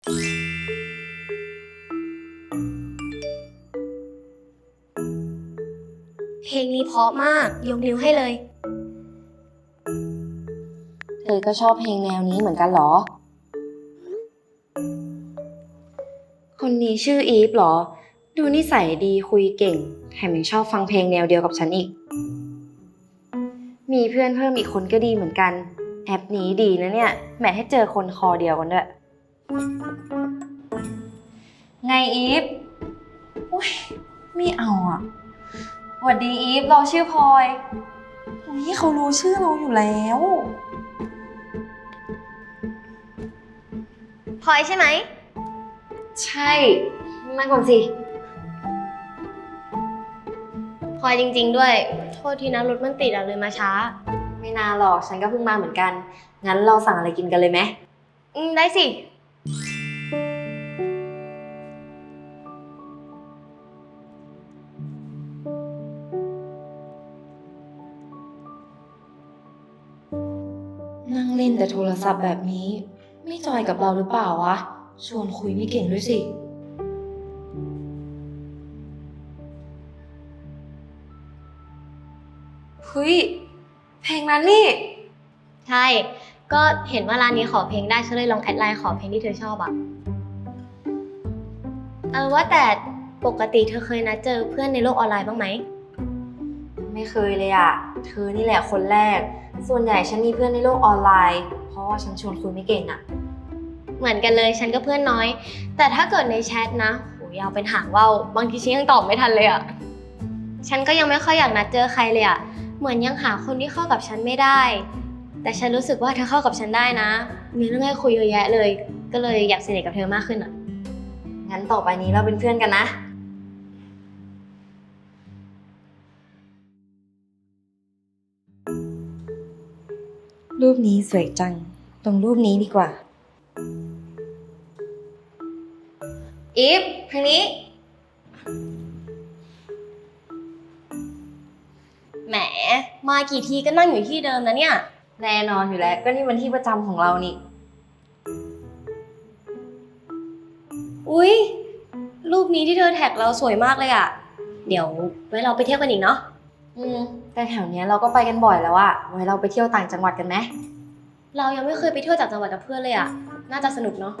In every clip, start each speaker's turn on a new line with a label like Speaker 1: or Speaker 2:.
Speaker 1: เพลงนี้เพราะมากยกนิ้วให้เลย
Speaker 2: เธอก็ชอบเพลงแนวนี้เหมือนกันเหรอคนนี้ชื่ออีฟเหรอดูนิสัยดีคุยเก่งแถมยังชอบฟังเพลงแนวเดียวกับฉันอีกมีเพื่อนเพิ่มอีกคนก็ดีเหมือนกันแอปนี้ดีนะเนี่ยแหมให้เจอคนคอเดียวกันด้วยไงอีฟอุ๊ยไม่เอาอ่ะสวัสดีอีฟเราชื่อพลอยนี่เขารู้ชื่อเราอยู่แล้ว
Speaker 1: พลอยใช่ไหม
Speaker 2: ใช่นั่งก่อนสิ
Speaker 1: พลอยจริงๆด้วยโทษทีนะรถมันติดเลยมาช้า
Speaker 2: ไม่นานหรอกฉันก็เพิ่งมาเหมือนกันงั้นเราสั่งอะไรกินกันเลยไหม
Speaker 1: ได้สิ
Speaker 2: นั่งเล่นแต่โทรศัพท์แบบนี้ไม่จอยกับเราหรือเปล่าวะชวนคุยไม่เก่งด้วยสิเฮ้ยเพลงนั้นนี่
Speaker 1: ใช่ก็เห็นว่าร้านนี้ขอเพลงได้ฉันเลยลองแอดไลน์ขอเพลงที่เธอชอบอะว่าแต่ปกติเธอเคยนัดเจอเพื่อนในโลกออนไลน์บ้างไหม
Speaker 2: ไม่เคยเลยอะเธอนี่แหละคนแรกส่วนใหญ่ฉันมีเพื่อนในโลกออนไลน์เพราะว่าฉันชวนคุยไม่เก่งอะ
Speaker 1: เหมือนกันเลยฉันก็เพื่อนน้อยแต่ถ้าเกิดในแชทนะโหยาวเป็นหางว่าวบางทีฉันยังตอบไม่ทันเลยอะฉันก็ยังไม่ค่อยอยากนัดเจอใครเลยอะเหมือนยังหาคนที่เข้ากับฉันไม่ได้แต่ฉันรู้สึกว่าเธอเข้ากับฉันได้นะมีเรื่องให้คุยเยอะแยะเลยก็เลยอยากสนิทกับเธอมากขึ้นอะ
Speaker 2: งั้นต่อไปนี้เราเป็นเพื่อนกันนะรูปนี้สวยจังตรงรูปนี้ดีกว่าอีฟทางนี้
Speaker 1: แหมมากี่ทีก็นั่งอยู่ที่เดิมนะเนี่ย
Speaker 2: แน่นอนอยู่แล้วก็นี่มันที่ประจำของเรานี่
Speaker 1: อุ๊ยรูปนี้ที่เธอแท็กเราสวยมากเลยอะเดี๋ยวไว้เราไปเที่ยวกันอีกเนาะ
Speaker 2: แต่แถวเนี้ยเราก็ไปกันบ่อยแล้วอะไว้เราไปเที่ยวต่างจังหวัดกันไหม
Speaker 1: เรายังไม่เคยไปเที่ยวจากจังหวัดกับเพื่อนเลยอะน่าจะสนุกเนาะ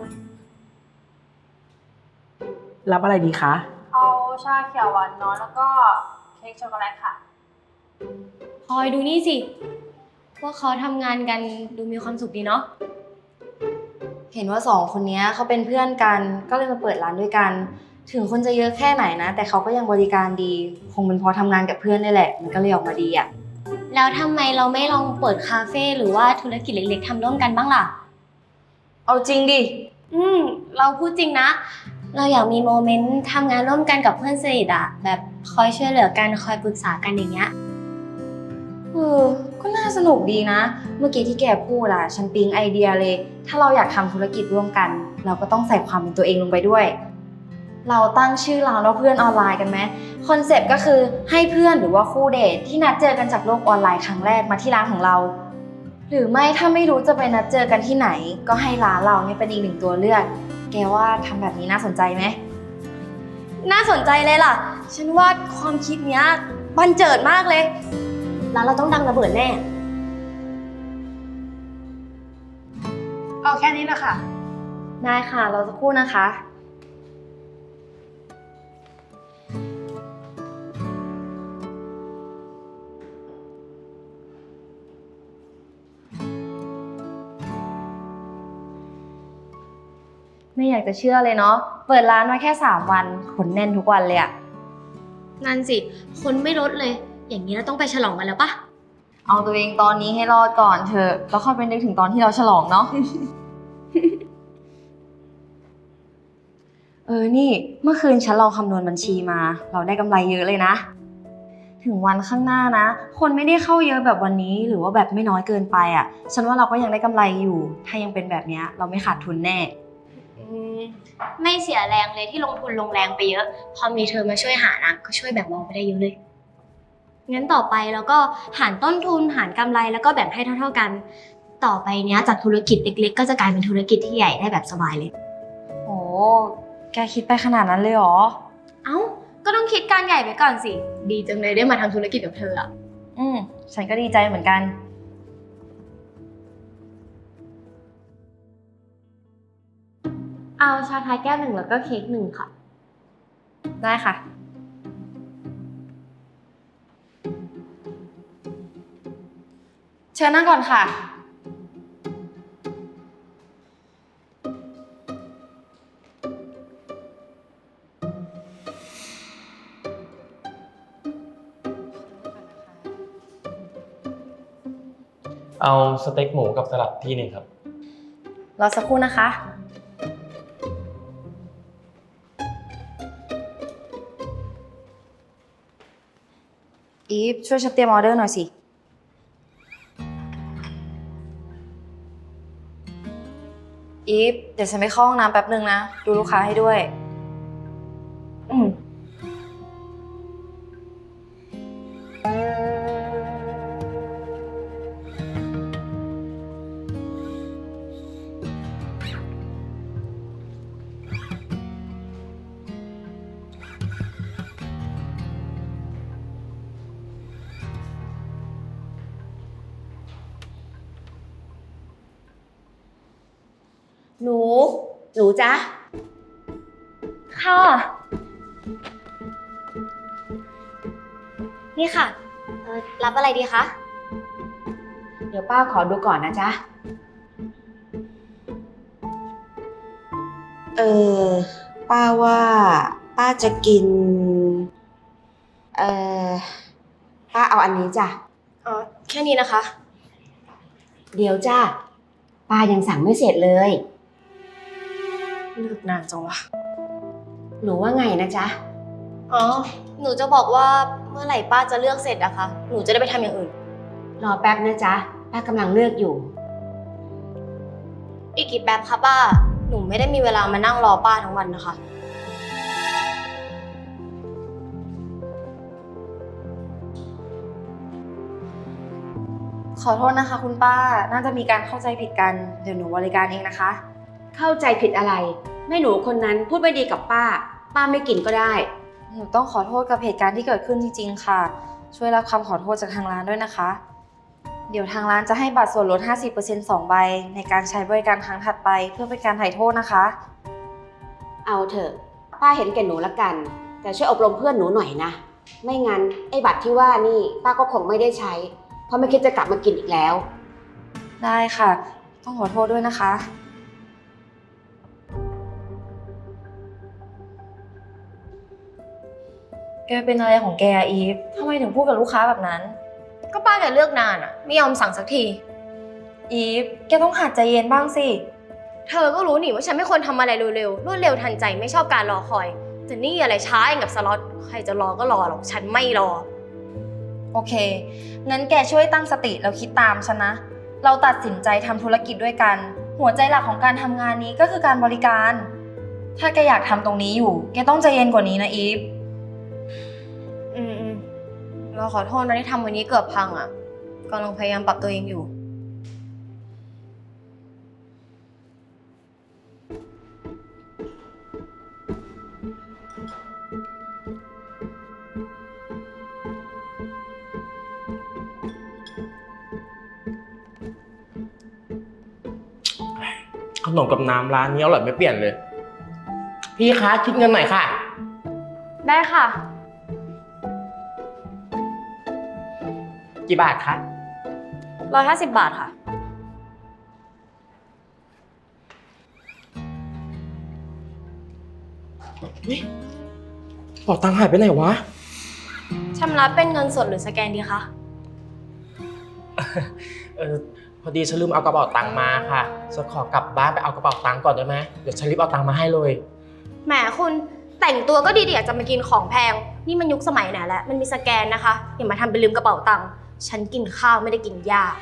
Speaker 3: รับอะไรดีคะ
Speaker 4: เอาชาเขียวหวานน้อยแล้วก็เค้กช็อกโกแลตค่ะ
Speaker 1: พลอยดูนี่สิพวกเขาทำงานกันดูมีความสุขดีเนาะ
Speaker 2: เห็นว่าสองคนนี้เขาเป็นเพื่อนกันก็เลยมาเปิดร้านด้วยกันถึงคนจะเยอะแค่ไหนนะแต่เขาก็ยังบริการดีคงเป็นเพราะทำงานกับเพื่อนนี่แหละมันก็เลยออกมาดีอะ
Speaker 1: แล้วทำไมเราไม่ลองเปิดคาเฟ่หรือว่าธุรกิจเล็กๆทำร่วมกันบ้างล่ะ
Speaker 2: เอาจริงดิ
Speaker 1: เราพูดจริงนะเราอยากมีโมเมนต์ทำงานร่วมกันกับเพื่อนสนิทอะแบบคอยช่วยเหลือกันคอยปรึกษากันอย่างเงี้ย
Speaker 2: ก็น่าสนุกดีนะเมื่อกี้ที่แกพูดอะฉันปิ๊งไอเดียเลยถ้าเราอยากทำธุรกิจร่วมกันเราก็ต้องใส่ความเป็นตัวเองลงไปด้วยเราตั้งชื่อร้านว่าเพื่อนออนไลน์กันไหมคอนเซปต์ก็คือให้เพื่อนหรือว่าคู่เดทที่นัดเจอกันจากโลกออนไลน์ครั้งแรกมาที่ร้านของเราหรือไม่ถ้าไม่รู้จะไปนัดเจอกันที่ไหนก็ให้ร้านเราเนี่ยเป็นอีกหนึ่งตัวเลือกแกว่าทำแบบนี้น่าสนใจไหม
Speaker 1: น่าสนใจเลยล่ะฉันว่าความคิดเนี้ยบันเจิดมากเลยแล้วเราต้องดังระเบิดแน่
Speaker 4: เอาแค่นี้นะคะ
Speaker 2: ได้ค่ะเราจะพูดนะคะไม่อยากจะเชื่อเลยเนาะเปิดร้านมาแค่3 วันคนแน่นทุกวันเลยอะ
Speaker 1: นั่นสิคนไม่ลดเลยอย่างนี้เราต้องไปฉลองกันแล้วปะ
Speaker 2: เอาตัวเองตอนนี้ให้รอดก่อนเถอะแล้วค่อยไปนึกถึงตอนที่เราฉลองเนาะ นี่เมื่อคืนฉันลองคำนวณบัญชีมาเราได้กำไรเยอะเลยนะถึงวันข้างหน้านะคนไม่ได้เข้าเยอะแบบวันนี้หรือว่าแบบไม่น้อยเกินไปอ่ะฉันว่าเราก็ยังได้กำไรอยู่ถ้ายังเป็นแบบนี้เราไม่ขาดทุนแน่
Speaker 1: ไม่เสียแรงเลยที่ลงทุนลงแรงไปเยอะพอมีเธอมาช่วยหานะก็ช่วยแบ่งเบาไปได้เยอะเลยงั้นต่อไปเราก็หารต้นทุนหารกำไรแล้วก็แบ่งให้เท่าๆกันต่อไปเนี้ยจากธุรกิจเล็กๆก็จะกลายเป็นธุรกิจที่ใหญ่ได้แบบสบายเลย
Speaker 2: แกคิดไปขนาดนั้นเลยเหรอ
Speaker 1: เอ้า ก็ต้องคิดการใหญ่ไปก่อนสิ ดีจังเลยได้มาทำธุรกิจกับเธออะ
Speaker 2: ฉันก็ดีใจเหมือนกัน
Speaker 1: เอาชาไทยแก้วหนึ่งแล้วก็เค้กหนึ่งค่ะ
Speaker 2: ได้ค่ะ เชิญนั่งก่อนค่ะ
Speaker 5: เอาสเต็กหมูกับสลัดที่หนึ่งครับ
Speaker 2: รอสักครู่นะคะ อีฟช่วยฉันเตรียมออเดอร์หน่อยสิ อีฟเดี๋ยวฉันไปเข้าห้องน้ำแป๊บนึงนะ ดูลูกค้าให้ด้วย
Speaker 6: หนูจ๊ะ
Speaker 1: ค่ะ นี่ค่ะ รับอะไรดีคะ
Speaker 6: เดี๋ยวป้าขอดูก่อนนะจ๊ะ ป้าว่าป้าจะกิน ป้าเอาอันนี้จ้ะ
Speaker 1: อ๋อ แค่นี้นะคะ
Speaker 6: เดี๋ยวจ้ะ ป้ายังสั่งไม่เสร็จเลย
Speaker 1: เลือกนานจังวะ
Speaker 6: หนูว่าไงนะจ๊ะ
Speaker 1: อ๋อ หนูจะบอกว่าเมื่อไหร่ป้าจะเลือกเสร็จอะคะ หนูจะได้ไปทำอย่างอื่น
Speaker 6: รอแป๊บนะจ๊ะ ป้ากำลังเลือกอยู่
Speaker 1: อีกกี่แป๊บคะป้า หนูไม่ได้มีเวลามานั่งรอป้าทั้งวันนะคะ
Speaker 2: ขอโทษนะคะคุณป้า น่าจะมีการเข้าใจผิดกัน เดี๋ยวหนูบริการเองนะคะ
Speaker 6: เข้าใจผิดอะไร แม่หนูคนนั้นพูดไม่ดีกับป้า ป้าไม่กินก็ได้
Speaker 2: หนูต้องขอโทษกับเหตุการณ์ที่เกิดขึ้นจริงๆ ค่ะ ช่วยรับคำขอโทษจากทางร้านด้วยนะคะ เดี๋ยวทางร้านจะให้บัตรส่วนลด 50% 2 ใบในการใช้บริการครั้งถัดไปเพื่อเป็นการไถ่โทษนะคะ
Speaker 6: เอาเถอะ ป้าเห็นแก่หนูละกัน แต่ช่วยอบรมเพื่อนหนูหน่อยนะ ไม่งั้นไอ้บัตรที่ว่านี่ป้าก็คงไม่ได้ใช้ เพราะไม่คิดจะกลับมากินอีกแล้ว
Speaker 2: ได้ค่ะ ต้องขอโทษด้วยนะคะ แกเป็นอะไรของแกอะอีฟทำไมถึงพูดกับลูกค้าแบบนั้น
Speaker 1: ก็ป้าแกเลือกนานอะไม่ยอมสั่งสักที
Speaker 2: อีฟ แกต้องหัดใจเย็นบ้างสิ
Speaker 1: เธอก็รู้นี่ว่าฉันไม่ควรทำอะไรเร็วๆ รวดเร็วทันใจไม่ชอบการรอคอย แต่นี่อะไรช้าเองกับสล็อต ใครจะรอก็รอหรอก ฉันไม่รอ
Speaker 2: โอเค งั้นแกช่วยตั้งสติแล้วคิดตามฉันนะ เราตัดสินใจทำธุรกิจด้วยกัน หัวใจหลักของการทำงานนี้ก็คือการบริการ ถ้าแกอยากทำตรงนี้อยู่ แกต้องใจเย็นกว่านี้นะอีฟ
Speaker 1: เราขอโทษนะที่ทำวันนี้เกือบพังอะกำลังพยายามปรับตัวเองอยู่
Speaker 5: ขนมกับน้ำร้านนี้อร่อยไม่เปลี่ยนเลย พี่คะคิดเงินหน่อยค่ะ
Speaker 1: ได้ค่ะ
Speaker 5: กี่บาทคะ
Speaker 1: 150 บาทค่ะ
Speaker 5: เป๋าตังค์หายไปไหนวะ
Speaker 1: ชำระเป็นเงินสดหรือสแกนดีคะ
Speaker 5: พอดีฉันลืมเอากระเป๋าตังค์มาค่ะฉันขอกลับบ้านไปเอากระเป๋าตังค์ก่อนได้ไหมเดี๋ยวฉันรีบเอาตังค์มาให้เลย
Speaker 1: แหมคุณแต่งตัวก็ดีๆอยากจะมากินของแพง นี่มันยุคสมัยไหนแล้ว มันมีสแกนนะคะ อย่ามาทำเป็นลืมกระเป๋าตังค์ ฉันกินข้าวไม่ได้กินยา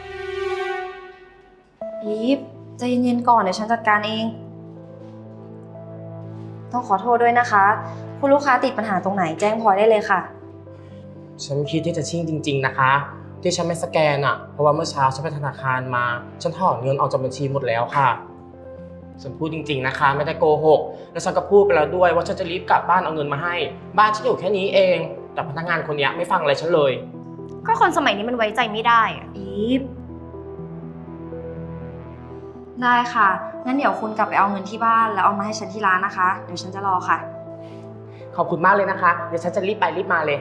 Speaker 2: อีฟ ใจเย็นๆก่อนเดี๋ยวฉันจัดการเอง ต้องขอโทษด้วยนะคะ คุณลูกค้าติดปัญหาตรงไหนแจ้งพลอยได้เลยค่ะ
Speaker 5: ฉันคิดที่จะชิ่งจริงๆนะคะ ที่ฉันไม่สแกนอ่ะเพราะว่าเมื่อเช้าฉันไปธนาคารมาฉันถอนเงินออกจากบัญชีหมดแล้วค่ะฉันพูดจริงๆนะคะไม่ได้โกหก แล้วฉันก็พูดไปแล้วด้วยว่าฉันจะรีบกลับบ้านเอาเงินมาให้ บ้านฉันอยู่แค่นี้เอง แต่พนักงานคนเนี้ยไม่ฟังอะไรฉันเลย
Speaker 1: ก็คนสมัยนี้มันไว้ใจไม่ได้อะ
Speaker 2: อีฟได้ค่ะ งั้นเดี๋ยวคุณกลับไปเอาเงินที่บ้านแล้วเอามาให้ฉันที่ร้านนะคะ เดี๋ยวฉันจะรอค่ะ
Speaker 5: ขอบคุณมากเลยนะคะ เดี๋ยวฉันจะรีบไปรีบมาเลย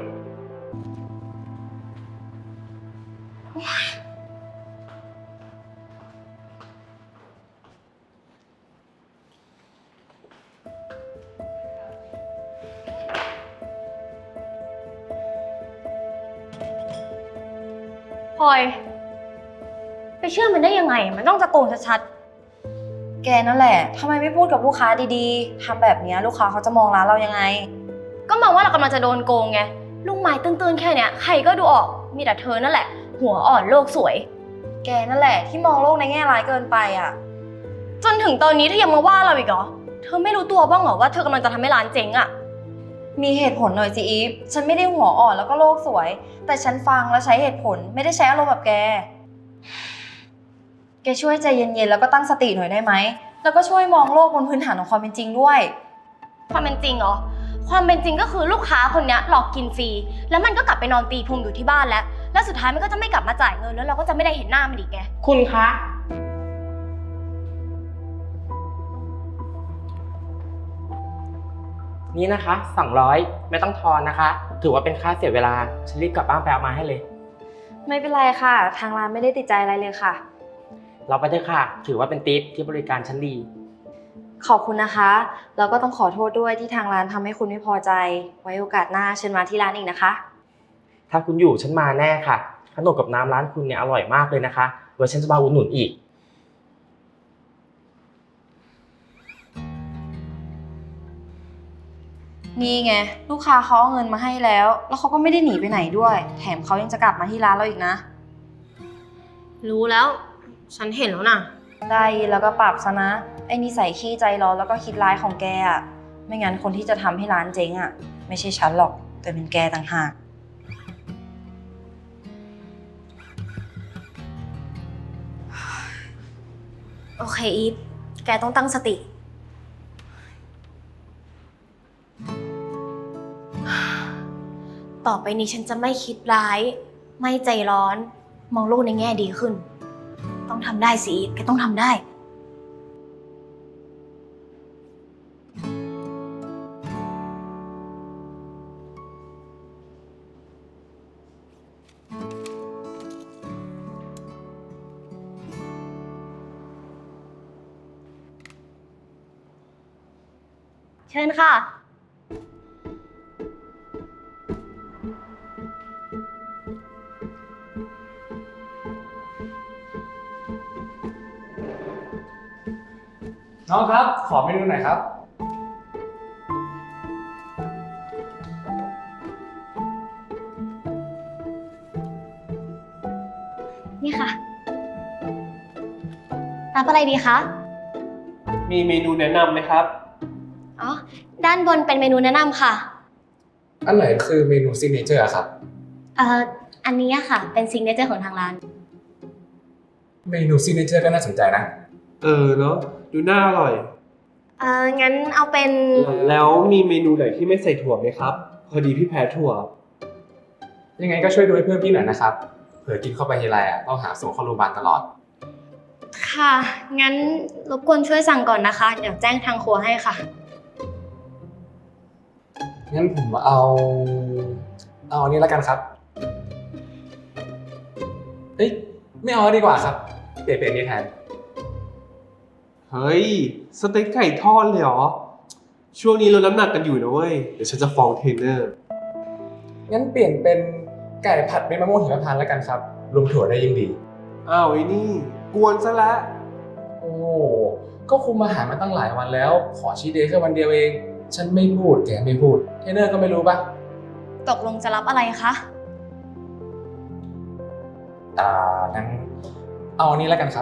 Speaker 1: พลอย ไปเชื่อมันได้ยังไง มันต้องจะโกงชัด
Speaker 2: แกนั่นแหละทำไมไม่พูดกับลูกค้าดีๆทำแบบเนี้ยลูกค้าเขาจะมองร้านเรายังไง
Speaker 1: ๆ ก็มองว่าเรากำลังจะโดนโกงไง ลูกไม้ตื้นๆแค่เนี้ยใครก็ดูออก มีแต่เธอนั่นแหละ หัวอ่อนโลกสวย
Speaker 2: แกนั่นแหละที่มองโลกในแง่ร้ายเกินไปอ่ะ
Speaker 1: จนถึงตอนนี้เธอยังมาว่าเราอีกเหรอ เธอไม่รู้ตัวบ้างเหรอว่าเธอกำลังจะทำให้ร้านเจ๊งอะ
Speaker 2: มีเหตุผลหน่อยสิอีฟ ฉันไม่ได้หัวอ่อนแล้วก็โลกสวย แต่ฉันฟังและใช้เหตุผลไม่ได้ใช้อารมณ์แบบแก แกช่วยใจเย็นๆแล้วก็ตั้งสติหน่อยได้ไหม แล้วก็ช่วยมองโลกบนพื้นฐานของความเป็นจริงด้วย
Speaker 1: ความเป็นจริงเหรอ ความเป็นจริงก็คือลูกค้าคนเนี้ยหลอกกินฟรี แล้วมันก็กลับไปนอนตีพุงอยู่ที่บ้านแล้วสุดท้ายมันก็จะไม่กลับมาจ่ายเงินแล้วเราก็จะไม่ได้เห็นหน้ามันอีกไง
Speaker 5: คุณคะ นี่นะคะ200ไม่ต้องทอนนะคะ ถือว่าเป็นค่าเสียเวลา ฉันรีบกลับบ้านไปเอามาให้เลย
Speaker 2: ไม่เป็นไรค่ะ ทางร้านไม่ได้ติดใจอะไรเลยค่ะ
Speaker 5: เราไปเถอะค่ะ ถือว่าเป็นทิปที่บริการฉันดี
Speaker 2: ขอบคุณนะคะ แล้วก็ต้องขอโทษด้วยที่ทางร้านทำให้คุณไม่พอใจ ไว้โอกาสหน้าเชิญมาที่ร้านอีกนะคะ
Speaker 5: ถ้าคุณอยู่ฉันมาแน่ค่ะ ขนมกับน้ำร้านคุณเนี่ยอร่อยมากเลยนะคะไว้ฉันจะมาอุดหนุนอีก
Speaker 2: นี่ไงลูกค้าเขาเอาเงินมาให้แล้ว แล้วเขาก็ไม่ได้หนีไปไหนด้วย แถมเขายังจะกลับมาที่ร้านเราอีกนะ
Speaker 1: รู้แล้ว ฉันเห็นแล้วนะ
Speaker 2: ได้ยินแล้วก็ปรับซะนะ ไอ้นิสัยขี้ใจร้อนแล้วก็คิดร้ายของแกอะไม่งั้นคนที่จะทำให้ร้านเจ๊งอะไม่ใช่ฉันหรอก แต่เป็นแกต่างหาก
Speaker 1: โอเคอีฟ แกต้องตั้งสติ ต่อไปนี้ฉันจะไม่คิดร้าย ไม่ใจร้อน มองโลกในแง่ดีขึ้น ต้องทำได้สิอีฟ แกต้องทำได้ เชิญค่ะ
Speaker 7: น้องครับ ขอเมนูหน่อยครับ
Speaker 1: นี่ค่ะ รับอะไรดีคะ
Speaker 8: มีเมนูแนะนำไหมครับ
Speaker 1: อ๋อ ด้านบนเป็นเมนูแนะนำค่ะ
Speaker 7: อันไหนคือเมนูซิกเนเจอร์ครับ
Speaker 1: อันนี้อะค่ะ เป็นซิงเกิลเจอร์ของทางร้าน
Speaker 7: เมนูซิกเนเจอร์ก็น่าสนใจนะ
Speaker 8: เนาะดูน่าอร่อย
Speaker 1: งั้นเอาเป็น
Speaker 8: แล้วมีเมนูไหนที่ไม่ใส่ถั่วไหมครับ พอดีพี่แพ้ถั่ว
Speaker 7: ยังไงก็ช่วยดูให้เพื่อนพี่หน่อยนะครับ เผื่อกินเข้าไปทีไรต้องหาส่งเข้าโรงพยาบาลตลอด
Speaker 1: ค่ะ งั้นรบกวนช่วยสั่งก่อนนะคะ เดี๋ยวแจ้งทางครัวให้ค่ะ
Speaker 7: งั้นผมเอาอันนี้แล้วกันครับ เอ้ยไม่เอาดีกว่าครับ เปลี่ยนนี้แทน
Speaker 8: เฮ้ย สเต็กไก่ทอดเลยเหรอ ช่วงนี้ลดน้ำหนักกันอยู่นะเว้ย เดี๋ยวฉันจะฟ้องเทรนเนอร์
Speaker 7: งั้นเปลี่ยนเป็นไก่ผัดเม็ดมะม่วงหิมพานต์แล้วกันครับ รวมถั่วได้ยิ่งดี
Speaker 8: อ้าวไอ้นี่ กวนซะละ
Speaker 7: โอ้ก็คุมอาหารมาตั้งหลายวันแล้ว ขอชีทเดย์แค่วันเดียวเอง ฉันไม่พูดแกไม่พูด เทรนเนอร์ก็ไม่รู้ปะ
Speaker 1: ตกลงจะรับอะไรคะ
Speaker 7: งั้นเอาอันนี้แล้วกันครับ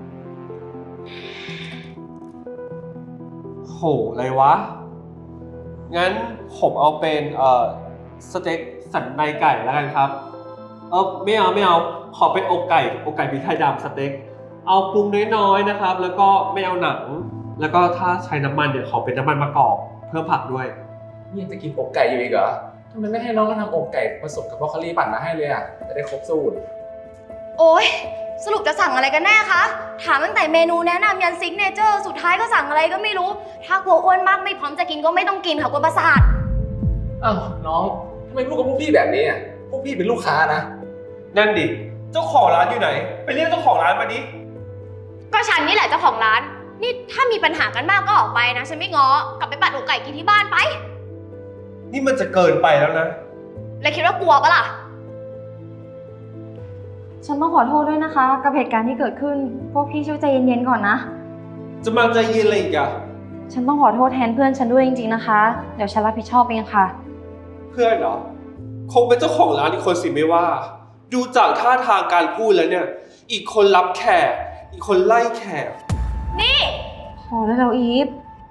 Speaker 8: โห อะไรวะ งั้นผมเอาเป็นสเต็กสันในไก่แล้วกันครับ ไม่เอา ขอเป็นอกไก่พริกไทยดำสเต็ก เอาปรุงน้อยๆนะครับ แล้วก็ไม่เอาหนังแล้วก็ถ้าใช้น้ำมันเนี่ยขอเป็นน้ำมันมะกอกเพิ่มผักด้วย
Speaker 7: นี่ยังจะกินอกไก่อยู่อีกเหรอทำไมไม่ให้น้องก็ทำอกไก่ผสมกับบรอกโคลีปั่นมาให้เลยอ่ะจะได้ครบสูตร
Speaker 1: โอ๊ย สรุปจะสั่งอะไรกันแน่คะ ถามตั้งแต่เมนูแนะนำยันซิกเนเจอร์สุดท้ายก็สั่งอะไรก็ไม่รู้ ถ้ากลัวอ้วนมากไม่พร้อมจะกินก็ไม่ต้องกินค่ะกลัวประสาท
Speaker 7: อ้าวน้องทำไมพูดกับพวกพี่แบบนี้อ่ะพวกพี่เป็นลูกค้านะ
Speaker 8: นั่นดิ เจ้าของร้านอยู่ไหน ไปเรียกเจ้าของร้านมาดิ
Speaker 1: ก็ฉันนี่แหละเจ้าของร้าน นี่ถ้ามีปัญหากันมากก็ออกไปนะ ฉันไม่ง้อกลับไปปัดอกไก่กินที่บ้านไป
Speaker 8: นี่มันจะเกินไปแล้วนะ
Speaker 1: แล้วคิดว่ากลัวปะล่ะ
Speaker 2: ฉันต้องขอโทษด้วยนะคะ กับเหตุการณ์ที่เกิดขึ้น พวกพี่ช่วยใจเย็นๆก่อนนะ
Speaker 8: จะมาใจเย็นอะไรอีกอะ
Speaker 2: ฉันต้องขอโทษแทนเพื่อนฉันด้วยจริงๆนะคะ เดี๋ยวฉันรับผิดชอบเองค่ะ
Speaker 8: เพื่อนเหรอ คงเป็นเจ้าของร้านอีกคนสิไม่ว่า ดูจากท่าทางการพูดแล้วเนี่ย อีกคนรับแขก อีกคนไล่แขก
Speaker 1: นี่
Speaker 2: พอได้แล้วอีฟ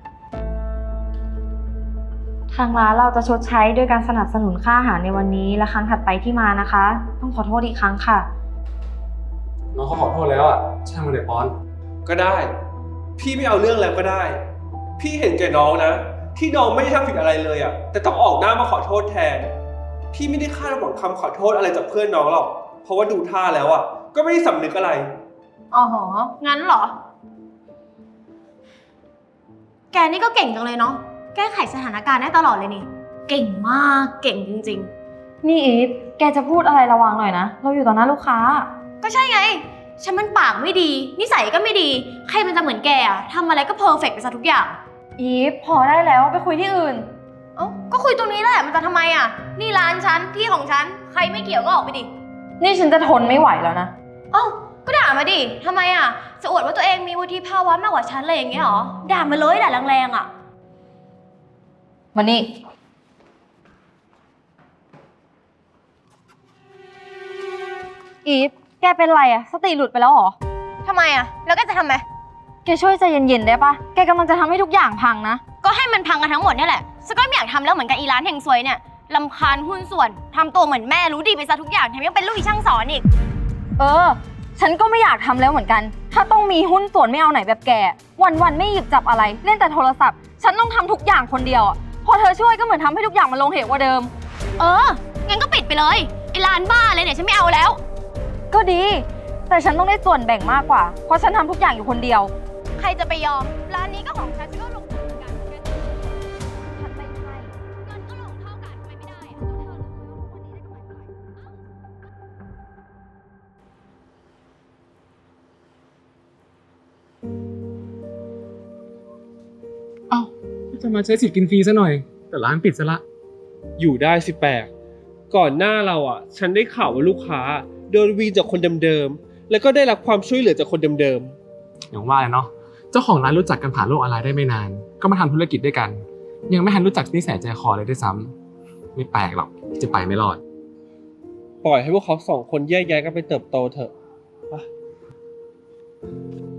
Speaker 2: ทางร้านเราจะชดใช้ด้วยการสนับสนุนค่าอาหารในวันนี้และครั้งถัดไปที่มานะคะ ต้องขอโทษอีกครั้งค่ะ
Speaker 7: น้องเขาขอโทษแล้วอ่ะช่างมันเลยปอน
Speaker 8: ก็ได้ พี่ไม่เอาเรื่องแล้วก็ได้ พี่เห็นแก่น้องนะ ที่น้องไม่ได้ทำผิดอะไรเลยอะแต่ต้องออกหน้ามาขอโทษแทน พี่ไม่ได้คาดหวังคำขอโทษอะไรจากเพื่อนน้องหรอก เพราะว่าดูท่าแล้วอะก็ไม่ได้สำนึกอะไร
Speaker 1: อ๋อ งั้นเหรอ แกนี่ก็เก่งจังเลยเนาะ แก้ไขสถานการณ์ได้ตลอดเลยนี่ เก่งมาก เก่งจริง
Speaker 2: นี่อีฟ แกจะพูดอะไรระวังหน่อยนะ เราอยู่ต่อหน้าลูกค้า
Speaker 1: ๆ ก็ใช่ไง ฉันมันปากไม่ดี นิสัยก็ไม่ดี ใครมันจะเหมือนแกอะทำอะไรก็เพอร์เฟกต์ไปซะทุกอย่าง
Speaker 2: อีฟ พอได้แล้วไปคุยที่อื่น
Speaker 1: เอ้า ก็คุยตรงนี้แหละ มันจะทำไมอะนี่ร้านฉัน ที่ของฉัน ใครไม่เกี่ยวก็ออกไปดิ
Speaker 2: นี่ฉันจะทนไม่ไหวแล้วนะ
Speaker 1: เอ้า ก็ด่ามาดิทำไมอะจะอวดว่าตัวเองมีวุฒิภาวะมากกว่าฉันเลยอย่างเงี้ยเหรอ ด่ามาเลยด่าแรงๆอะ
Speaker 2: มานี่ อีฟ แกเป็นไรอะสติหลุดไปแล้วเหรอ
Speaker 1: ทำไมอะแล้วก็จะทำไม
Speaker 2: แกช่วยใจเย็นๆได้ปะ แกกำลังจะทำให้ทุกอย่างพังนะ
Speaker 1: ก็ให้มันพังกันทั้งหมดเนี่ยแหละฉันก็ไม่อยากทำแล้วเหมือนกับอีร้านเฮงซวยเนี่ยรำคาญหุ้นส่วนทำตัวเหมือนแม่รู้ดีไปซะทุกอย่างแถมยังเป็นลูกอีช่างสอนอีก
Speaker 2: เออ ฉันก็ไม่อยากทำแล้วเหมือนกัน ถ้าต้องมีหุ้นส่วนไม่เอาไหนแบบแก วันๆไม่หยิบจับอะไร เล่นแต่โทรศัพท์ ฉันต้องทำทุกอย่างคนเดียวอะพอเธอช่วยก็เหมือนทำให้ทุกอย่างมันลงเหวกว่าเดิม
Speaker 1: เออ งั้นก็ปิดไปเลยไอ้ร้านบ้าเลยเนี่ยฉันไม่เอาแล้ว
Speaker 2: ก็ดี แต่ฉันต้องได้ส่วนแบ่งมากกว่า เพราะฉันทำทุกอย่างอยู่คนเดียว
Speaker 1: ใครจะไปยอม ร้านนี้ก็ของฉันก็ลงทุนเหมือนกันฉันไม่ให้เงินก็ลงเท่ากันทำไมไม่ได้อะก็เธอรู้ว่าวันนี้ได้กำไรเท่าไหร่เอ้า
Speaker 7: จะมาใช้สิทธิ์กินฟรีซะหน่อย แต่ร้านปิดซะละ
Speaker 8: อยู่ได้สิแปลกก่อนหน้าเราอ่ะ ฉันได้ข่าวว่าลูกค้าโดนวีนจากคนเดิมๆ แล้วก็ได้รับความช่วยเหลือจากคนเดิม
Speaker 7: อย่างว่าเลยเนาะ เจ้าของร้านรู้จักกันผ่านโลกออนไลน์ได้ไม่นาน ก็มาทำธุรกิจด้วยกัน ยังไม่ทันรู้จักนิสัยใจคอเลยด้วยซ้ำไม่แปลกหรอกที่จะไปไม่รอด
Speaker 8: ๆ ปล่อยให้พวกเขาสองคนแยกย้ายกันไปเติบโตเถอะไป